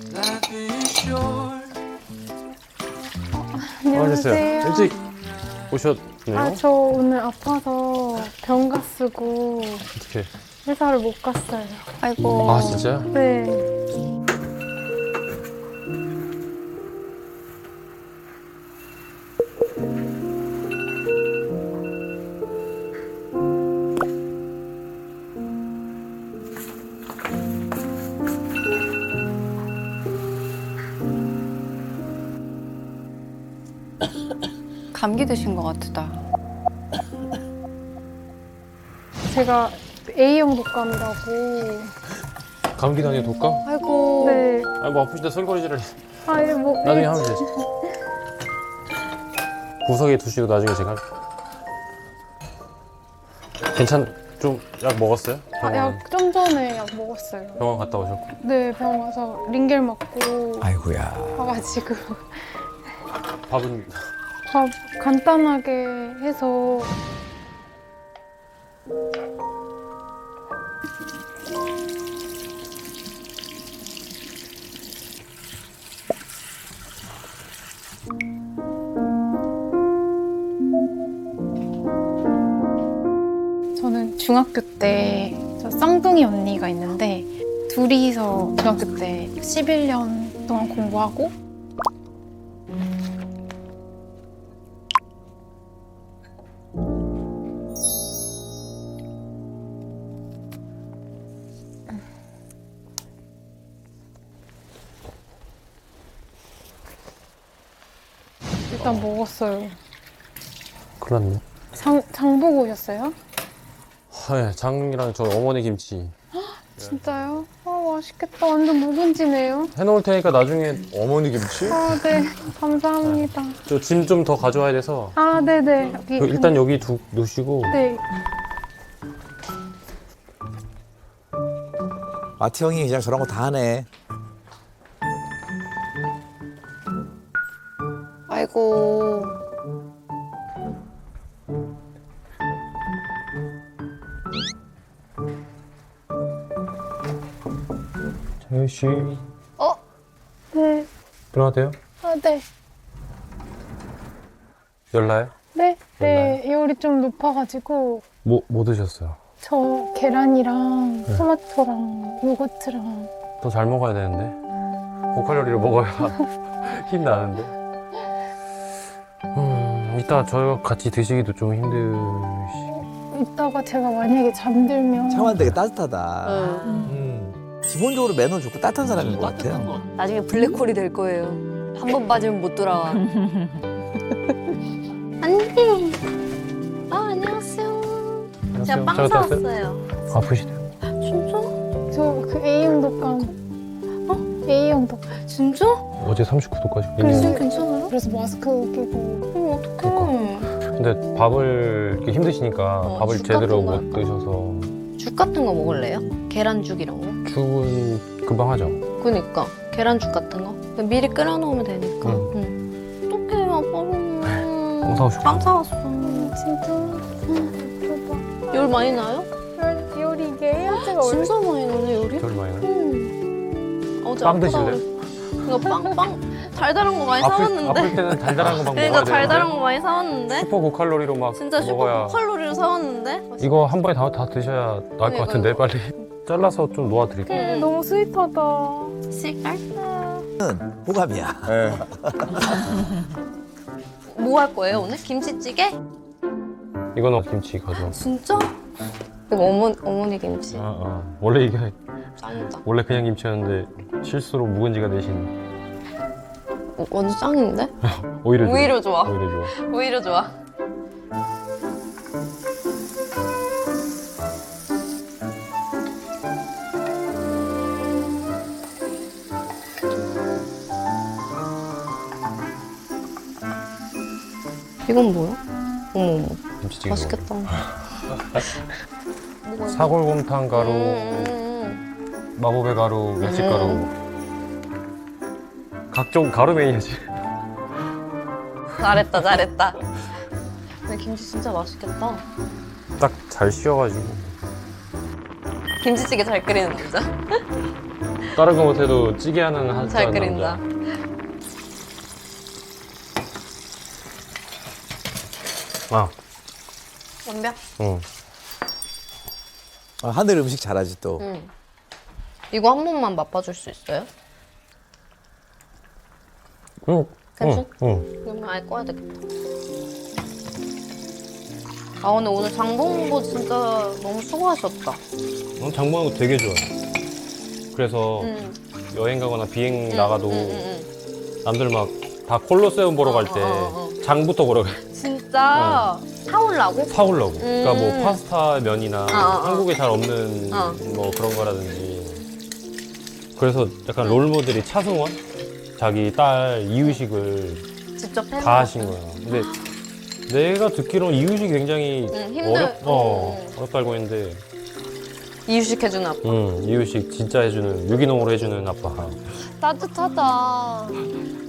안녕하세요. 일찍 오셨네요? 아, 저 오늘 아파서 병 갔쓰고 어떻게? 회사를 못 갔어요. 아이고. 아 진짜요? 네. 감기 드신 것 같다. 제가 A형 독감이라고. 감기도 아니고 독감? 아이고. 네. 아 뭐 아프신데 설거지를 아, 예, 뭐. 나중에 예, 하면 되지. 구석에 두시고 나중에 제가 할게요. 좀 약 먹었어요? 아, 약 좀 전에 약 먹었어요. 병원 갔다 오셨고. 네, 병원 가서 링겔 맞고 아이고야. 와가지고 밥은 밥 간단하게 해서. 저는 중학교 때 저 쌍둥이 언니가 있는데 둘이서 중학교 때 11년 동안 공부하고 일단 먹었어요. 큰일 났네. 장 보고 오셨어요? 네, 장이랑 저 어머니 김치 진짜요? 아, 맛있겠다. 완전 묵은지네요. 해놓을 테니까 나중에 어머니 김치? 아, 네. 감사합니다. 저 짐 좀 더 가져와야 돼서 아, 네네. 여기, 일단 여기 놓으시고. 네. 마티 형이 그냥 저런 거 다 하네. 아이고. 재현 씨 네. 일어나도 돼요? 아, 네. 열나요? 네. 네. 열이 좀 높아가지고 뭐 드셨어요? 저 계란이랑 토마토랑 요거트랑 더 잘 먹어야 되는데 고칼로리를 먹어야 힘 나는데. 이따 저희가 같이 드시기도 좀 힘드시. 이따가 제가 만약에 잠들면 창환 되게 따뜻하다. 응. 기본적으로 매너 좋고 따뜻한 사람인 것 같아요. 나중에 블랙홀이 될 거예요. 한 번 빠지면 못 돌아와. 언니. 아, 안녕하세요. 제가 빵 잘 갔다 왔어요? 사왔어요. 아프시대요? 진짜? 저 그 A형 독감. A형 독감. 진짜? 어제 39도까지. 그래서- 괜찮아요? 그래서 마스크 끼고. 어떡해. 근데 밥을 이렇게 힘드시니까 밥을 죽 제대로 같은 못 거 드셔서. 죽 같은 거 먹을래요? 계란죽 이런 거? 죽은 금방 하죠. 그니까. 계란죽 같은 거? 미리 끓여놓으면 되니까. 응. 어떡해, 아빠는. 빵 사오시고. 빵 사왔어. 진짜. 대박. 열 많이 나요? 열이 이게 해열제가 원래 진짜 많이 나네, 열이? 별 많이 나요? 어제 빵 아프다고 드실래요? 이거 빵 달달한 거 많이 사왔는데. 아플 때는 달달한 거 막 그러니까 먹어야 달달한 되는데 거 많이 사왔는데. 슈퍼 고칼로리로 막 진짜 먹어야. 슈퍼 칼로리를 사왔는데. 이거 한 번에 다 드셔야 나을 것 같은데 빨리 잘라서 좀 놓아드릴게요. 응. 너무 스윗하다. 실깔? 호감이야. 뭐 할 거예요 오늘? 김치찌개? 이거는 김치 가져. 진짜? 이거 어머니 김치. 원래 이게 짱이다. 원래 그냥 김치였는데 실수로 묵은지가 대신 완전 짱인데? 오히려 좋아. 오히려 좋아. 오히려 좋아. 오히려 좋아. 이건 뭐야? 어머, 김치찌개. 맛있겠다. 먹어. 사골곰탕 가루, 마법의 가루, 밀집가루. 각종 가루 메인이지. 잘했다, 잘했다. 근데 김치 진짜 맛있겠다. 딱 잘 씌워가지고. 김치찌개 잘 끓이는 남자. 다른 거 못해도 찌개 하는 한 잘 남자. 끓인다. 아, 완벽? 응. 하늘 음식 잘하지 또. 응. 이거 한 번만 맛봐줄 수 있어요? 응. 괜찮? 응. 그러면 아예 꺼야 되겠다. 아 근데 오늘 장보고 진짜 너무 수고하셨다. 장 보는 거 되게 좋아해. 그래서 응. 여행 가거나 비행 응, 나가도 응, 응, 남들 막 다 콜로세움 보러 갈 때 장부터 보러 가. 응. 진짜 사올라고? 사오려고. 그러니까 뭐 파스타 면이나 한국에 잘 없는 어. 뭐 그런 거라든지. 그래서 약간 롤 모델이 차승원? 자기 딸 이유식을 직접 해? 다 하신 거야. 근데 내가 듣기로는 이유식이 굉장히 어렵다 알고 있는데 이유식 해주는 아빠. 이유식 진짜 해주는 유기농으로 해주는 아빠. 따뜻하다.